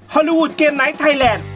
ฮอลลีวูดเกมไนท์ไทยแลนด์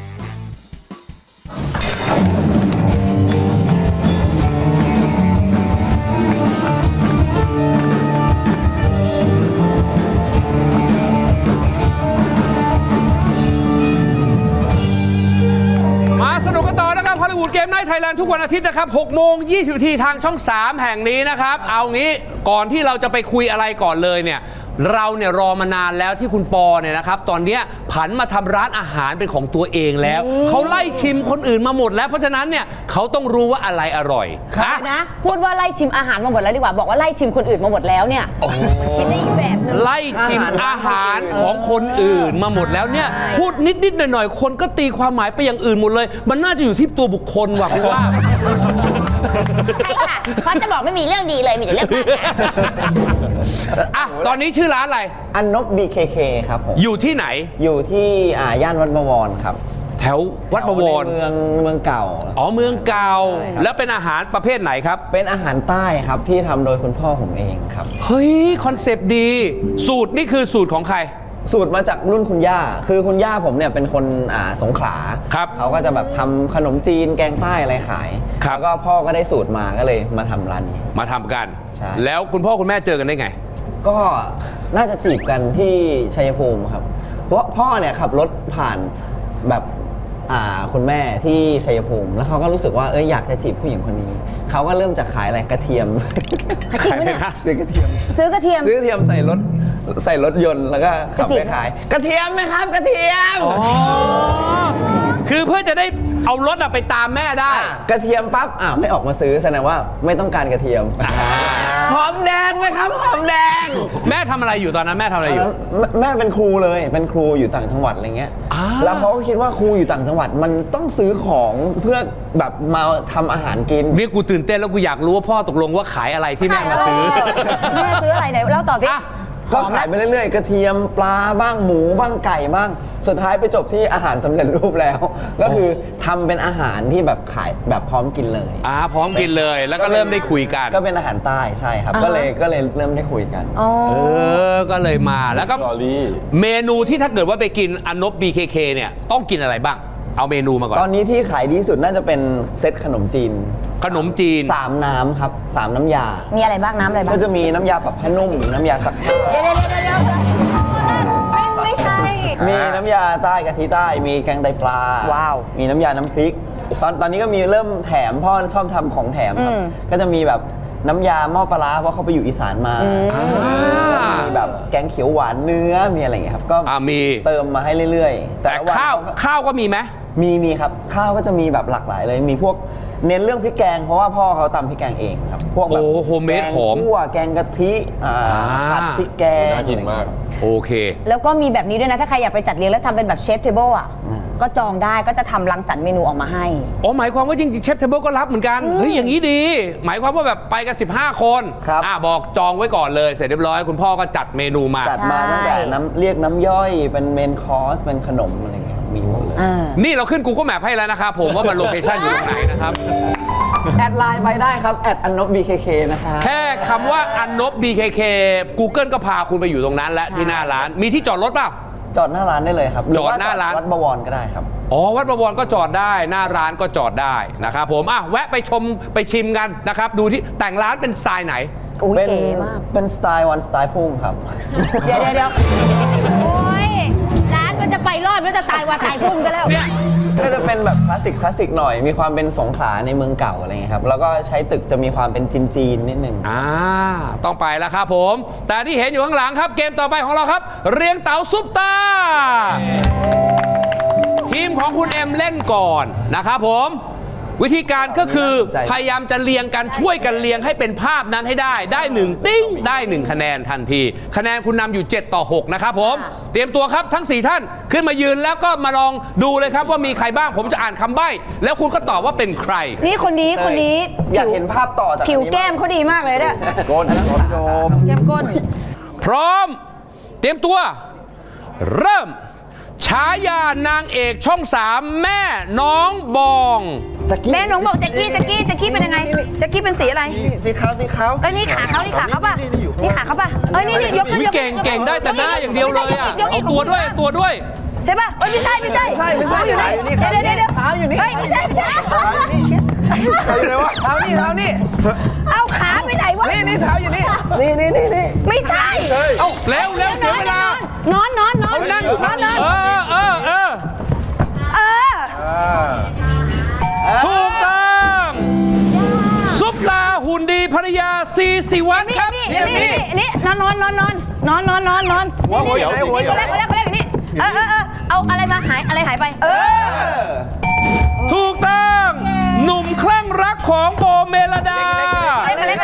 สนุกกันต่อนะครับฮอลลีวูดเกมไนท์ไทยแลนด์ทุกวันอาทิตย์นะครับ6 โมง 20 นาทีทางช่อง 3 แห่งนี้นะครับเอางี้ก่อนที่เราจะไปคุยอะไรก่อนเลยเนี่ยเราเนี่ยรอมานานแล้วที่คุณปอเนี่ยนะครับตอนเนี้ยผันมาทำร้านอาหารเป็นของตัวเองแล้วเขาไล่ชิมคนอื่นมาหมดแล้วเพราะฉะนั้นเนี่ยเขาต้องรู้ว่าอะไรอร่อยนะพูดว่าไล่ชิมอาหารมาหมดแล้วดีกว่าบอกว่าไล่ชิมคนอื่นมาหมดแล้วเนี่ยมันคิดได้อีกแบบนึงไล่ชิมอาหารของคนอื่นมาหมดแล้วเนี่ยพูดนิดๆหน่อยๆคนก็ตีความหมายไปอย่างอื่นหมดเลยมันน่าจะอยู่ที่ตัวบุคคลว่ะคุณว่าใช่ค่ะเพราะจะบอกไม่มีเรื่องดีเลยมีแต่เรื่องบาปนะอ่ะตอนนี้ชื่อร้านอะไรอันนบ BKK ครับผมอยู่ที่ไหนอยู่ที่ย่านวัดบวรครับแถววัดบวรเมืองเก่าอ๋อเมืองเก่าแล้วเป็นอาหารประเภทไหนครับเป็นอาหารใต้ครับที่ทำโดยคุณพ่อผมเองครับเฮ้ยคอนเซปต์ดีสูตรนี่คือสูตรของใครสูตรมาจากรุ่นคุณย่าคือคุณย่าผมเนี่ยเป็นคนสงขลาครับเขาก็จะแบบทำขนมจีนแกงใต้อะไรขายแล้วก็พ่อก็ได้สูตรมาก็เลยมาทำร้านนี้มาทำกันใช่แล้วคุณพ่อคุณแม่เจอกันได้ไงก็น่าจะจีบกันที่ชัยภูมิครับเพราะพ่อเนี่ยขับรถผ่านแบบคุณแม่ที่ชัยภูมิแล้วเขาก็รู้สึกว่าอยากจะจีบผู้หญิงคนนี้เขาก็เริ่มจากขายอะไรกระเทียมจริงไหมเนี่ยซื้อกระเทียมซื้อกระเทียมใส่รถยนต์แล้วก็ขับไปขายกระเทียมไหมครับกระเทียมคือเพื่อจะได้เอารถไปตามแม่ได้กระเทียมปั๊บไม่ออกมาซื้อแสดงว่าไม่ต้องการกระเทียมหอมแดงไหมครับหอมแดงแม่ทำอะไรอยู่ตอนนั้นแม่ทำอะไรอยู่แม่เป็นครูเลยเป็นครูอยู่ต่างจังหวัดอะไรเงี้ยแล้วเขาก็คิดว่าครูอยู่ต่างจังหวัดมันต้องซื้อของเพื่อแบบมาทำอาหารกินนี่กูตื่นเต้นแล้วกูอยากรู้ว่าพ่อตกลงว่าขายอะไรที่แม่มาซื้อแม่ซื้ออะไรไหนเล่าต่อสิก็ขายไปเรื่อยๆกระเทียมปลาบ้างหมูบ้างไก่บ้างสุดท้ายไปจบที่อาหารสำเร็จรูปแล้วก็คือทำเป็นอาหารที่แบบขายแบบพร้อมกินเลยพร้อมกินเลยแล้วก็เริ่มได้คุยกันก็เป็นอาหารใต้ใช่ครับก็เลยเริ่มได้คุยกันก็เลยมาแล้วก็เมนูที่ถ้าเกิดว่าไปกินอันนบ BKK เนี่ยต้องกินอะไรบ้างเอาเมนูมาก่อนตอนนี้ที่ขายดีสุดน่าจะเป็นเซตขนมจีน3น้ำครับ3น้ำยามีอะไรบ้างน้ำอะไรบ้างก็จะมีน้ำยาปรับผ้านุ่มน้ำยาซักผ้าไม่ใช่มีน้ำยาใต้กะทิใต้มีแกงไตปลาว้าวมีน้ำยาน้ำพริกตอนนี้ก็มีเริ่มแถมพ่อชอบทำของแถมครับก็จะมีแบบน้ำยาหม้อปลาร้าเพราะเขาไปอยู่อีสานมามีแบบแกงเขียวหวานเนื้อมีอะไรอย่างเงี้ยครับก็มีเติมมาให้เรื่อยๆแต่ข้าวก็มีไหมมีครับข้าวก็จะมีแบบหลากหลายเลยมีพวกเน้นเรื่องพริกแกงเพราะว่าพ่อเขาตำพริกแกงเองครับพวกแบบโฮมเมดหอมคั่วแกงกะทิผัดพริกแกงน่ากินมากโอเคแล้วก็มีแบบนี้ด้วยนะถ้าใครอยากไปจัดเลี้ยงแล้วทำเป็นแบบเชฟเทเบิลก็จองได้ก็จะทำรังสรรค์เมนูออกมาให้หมายความว่าจริงๆเชฟเทเบิลก็รับเหมือนกันเฮ้ยอย่างนี้ดีหมายความว่าแบบไปกัน15 คนบอกจองไว้ก่อนเลยเสร็จเรียบร้อยคุณพ่อก็จัดเมนูมาจัดมาตั้งแต่เรียกน้ำย่อยเป็นเมนคอร์สเป็นขนมอะไรเงี้ยมีหมดเลยนี่เราขึ้น Google Map ให้แล้วนะครับผมว่ามันโลเคชั่นอยู่ตรงไหนนะครับแอดไลน์ไปได้ครับแอดอันนบ BKK นะคะแค่คำว่าอันนบ BKK Google ก็พาคุณไปอยู่ตรงนั้นและที่หน้าร้านมีที่จอดรถเปล่าจอดหน้าร้านได้เลยครับจอดหน้าร้านวัดบวรก็ได้ครับวัดบวรก็จอดได้หน้าร้านก็จอดได้นะครับผมแวะไปชมไปชิมกันนะครับดูที่แต่งร้านเป็นสไตล์ไหนเก๋มากเป็นสไตล์วันสไตล์พุ่งครับเดี๋ยวโอ้ยร้านมันจะไปรอดมันจะตายว่าตายพุ่งกันแล้วก็จะเป็นแบบคลาสสิกหน่อยมีความเป็นสงขลาในเมืองเก่าอะไรเงี้ยครับแล้วก็ใช้ตึกจะมีความเป็นจีนนิดนึงต้องไปแล้วครับผมแต่ที่เห็นอยู่ข้างหลังครับเกมต่อไปของเราครับเรียงเต๋าซุปตาทีมของคุณเอ็มเล่นก่อนนะครับผมวิธีการก็คือพยายามจะเรียงกันช่วยกันเรียงให้เป็นภาพนั้นให้ได้1ติ้งได้1คะแนนทันทีคะแนนคุณนำอยู่7-6นะครับผมเตรียมตัวครับทั้ง4ท่านขึ้นมายืนแล้วก็มาลองดูเลยครับว่ามีใครบ้างผมจะอ่านคำใบ้แล้วคุณก็ตอบว่าเป็นใครนี่คนนี้อยากเห็นภาพต่อจากผิวแก้มเขาดีมากเลยเนี่ยก้นโยมแก้มก้นพร้อมเตรียมตัวเริ่มฉายานางเอกช่อง3แม่น้องบองแม่น้องบอกแจ็คกี้เป็นยังไงแจ็คกี้เป็นสีอะไรสีขาวนี่ขาเขาป่ะนี่ขาเขาป่ะนี่ยกขึ้นเก่งได้แต่หน้าอย่างเดียวเลยเอาตัวด้วยใช่ป่ะเอ้ยไม่ใช่เท้าอยู่นี่เดี๋ยวเท้าอยู่นี่เฮ้ยไม่ใช่เท้าอยู่ไหนวะเท้านี่เอาขาไปไหนวะนี่เท้าอยู่นี่ไม่ใช่เร็วเสียเวลานอนถูกต้องซุปตาหุ่นดีภรรยาซีสิวัฒน์ครับนี่นอนหัวเขาแรกอยู่นี่เอาอะไรมาอะไรหายไปถูกต้องหนุ่มคลั่งรักของโบเมลดานี่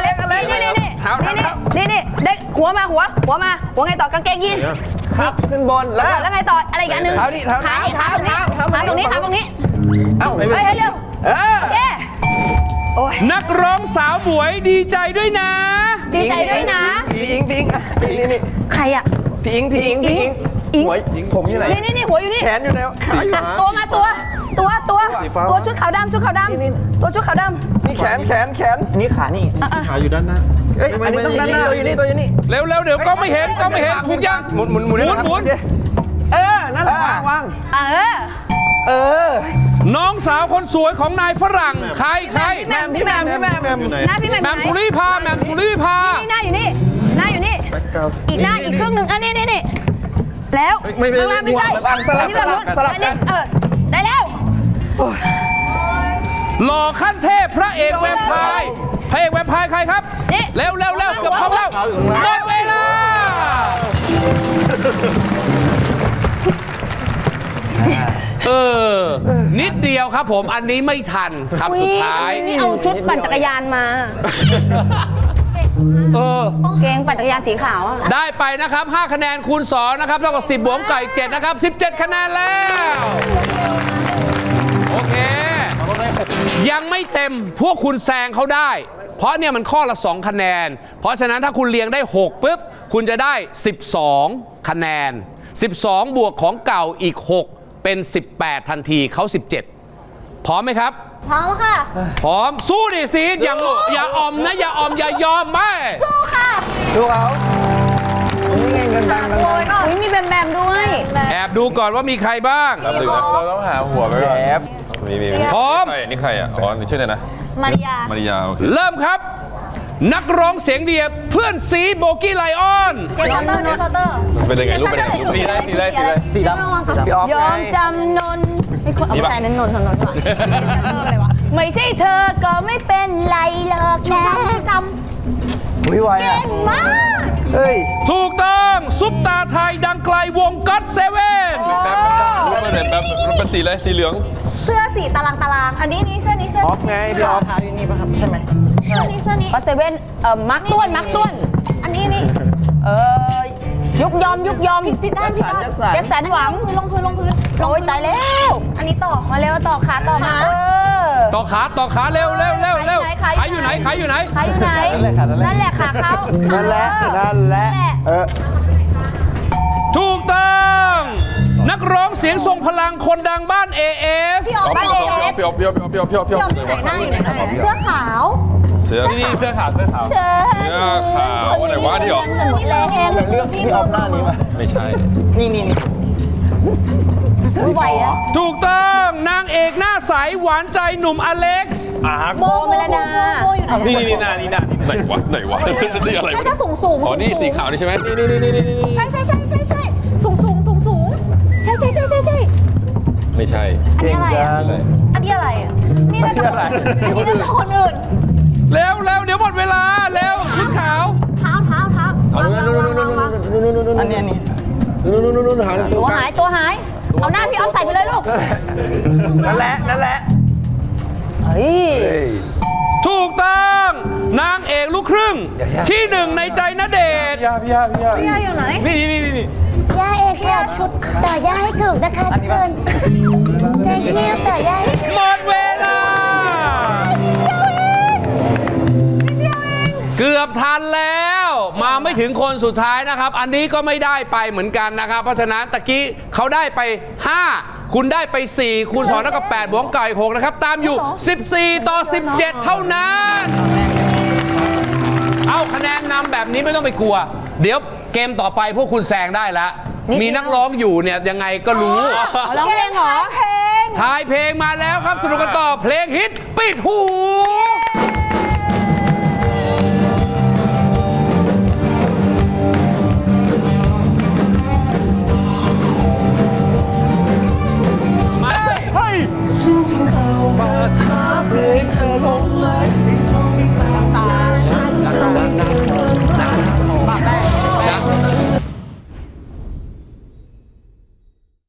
เด็กหัวไงต่อกางเกงยีนครับขึ้นบนแล้วไงต่ออะไรอีกอันนึงขาตรงนี้เฮ้ยเร็วโอเคนักร้องสาวบวยดีใจด้วยนะพี่อิงนี่ใครอ่ะพี่อิงหัวผมอยู่ไหนนี่หัวอยู่นี่แขนอยู่ไหนขาอยู่ตัวชุดขาวดำตัวชุดขาวดำนี่แขนนี่ขานี่ขาอยู่ด้านหน้าอันนี้ต้องด้านหน้าตัวอยู่นี่เร็วเดี๋ยวก็ไม่เห็นถูกยังหมุนนั่นแหละวางน้องสาวคนสวยของนายฝรั่งใครพี่แมมแมมสุริพาหน้าอยู่นี่อีกหน้าอีกครึ่งหนึ่งอันนี้แล้วข้างล่างไม่ใช่ที่เราลุ้นอันนี้ได้แล้วหล่อขั้นเทพพระเอกแวมไพร์ใครครับเร็วเกือบเข้าแล้วหมดเวลานิดเดียวครับผมอันนี้ไม่ทันครับสุดท้ายนี่เอาชุดปั่นจักรยานมาเกงปั่นจักรยานสีขาวได้ไปนะครับ5คะแนนคูณ2นะครับเท่ากับ10บวกไก่7นะครับ17คะแนนแล้วโอเคยังไม่เต็มพวกคุณแซงเขาได้เพราะเนี่ยมันข้อละ2คะแนนเพราะฉะนั้นถ้าคุณเรียงได้6ปุ๊บคุณจะได้12คะแนน12บวกของเก่าอีก6เป็น18ทันทีเขา17พร้อมไหมครับพร้อมค่ะพร้อมสู้ดิซีดอย่าออมนะอย่ายอมไม่สู้ค่ะดูเอามีแบมด้วยแอบดูก่อนว่ามีใครบ้างเราต้องหาหัวไปก่อนมีพร้อมนี่ใครอ่ะนี่ชื่ออะไรนะมาริยาโอเคเริ่มครับนักร้องเสียงเดียบเพื่อนซีโบกี้ไลออนเป็นยังไงรูปเป็นยังไงสีดำยอมจำนนไม่คนเอาผู้ชายนั้นนนก่อนไม่ใช่เธอก็ไม่เป็นไรหรอกนะดำวิวเก่งมากเฮ้ยถูกต้องซุปตาไทยดังไกลวงก็อตเซเว่นแบบเป็นสีอะไรสีเหลืองเสื้อสีตารางอันนี้เสื้อออฟไงพี่ออฟขาอยู่นี่ป่ะครับใช่ไหมเสื้อนี้ก็เซเว่นมาร์คต้วนอันนี้ยุกยอมผิดด้านแจ็คสันหวังลงพื้นโอ้ยตายแล้วอันนี้ต่อมาเร็วต่อขาต่อมาต่อขาเร็วขาอยู่ไหนนั่นแหละขาเขานั่นแหละถูกต้องนักร้องเสียงทรงพลังคนดังบ้าน AF พี่ออฟพี่ออฟไหนหน้าอยู่ไหนเสื้อขาวเสื้อขาวอะไรวะที่ออกเลือกพี่ออฟหน้านี้มาไม่ใช่นี่ไหวอ่ะถูกต้องนางเอกหน้าใสหวานใจหนุ่มอเล็กซ์โบเมลดานี่ไหนวะนี่อะไรน่าจะสูงอ๋อนี่สีขาวนี่ใช่ไหมใช่สูงใช่ไม่ใช่อันนี้อะไรนี่น่าจะคนอื่นเร็วเดี๋ยวหมดเวลาเร็วชุดขาวเท้าเอาอันนี้ตัวหายเอาหน้าพี่ออฟใส่ไปเลยลูกนั่นแหละเฮ้ยถูกต้องนางเอกลูกครึ่งที่1ในใจณเดชน์พี่ย่าอยู่ไหนนี่ย่าเอกย่าชุดต่อย่าให้ถูกนะคะทุกคนเจ๊กี้ต่อย่าให้หมดเวลาเกือบทันแล้วมาไม่ถึงคนสุดท้ายนะครับอันนี้ก็ไม่ได้ไปเหมือนกันนะครับเพราะฉะนั้นตะกี้เขาได้ไป5คุณได้ไป4คูณ2เท่ากับ8บวกไก่6นะครับตามอยู่14ต่อ17เท่านั้นเอาคะแนนนำแบบนี้ไม่ต้องไปกลัวเดี๋ยวเกมต่อไปพวกคุณแซงได้แล้วมีนักร้องอยู่เนี่ยยังไงก็รู้ร้องเพลงเหรอทายเพลงมาแล้วครับสนุกกันต่อเพลงฮิตปิดหู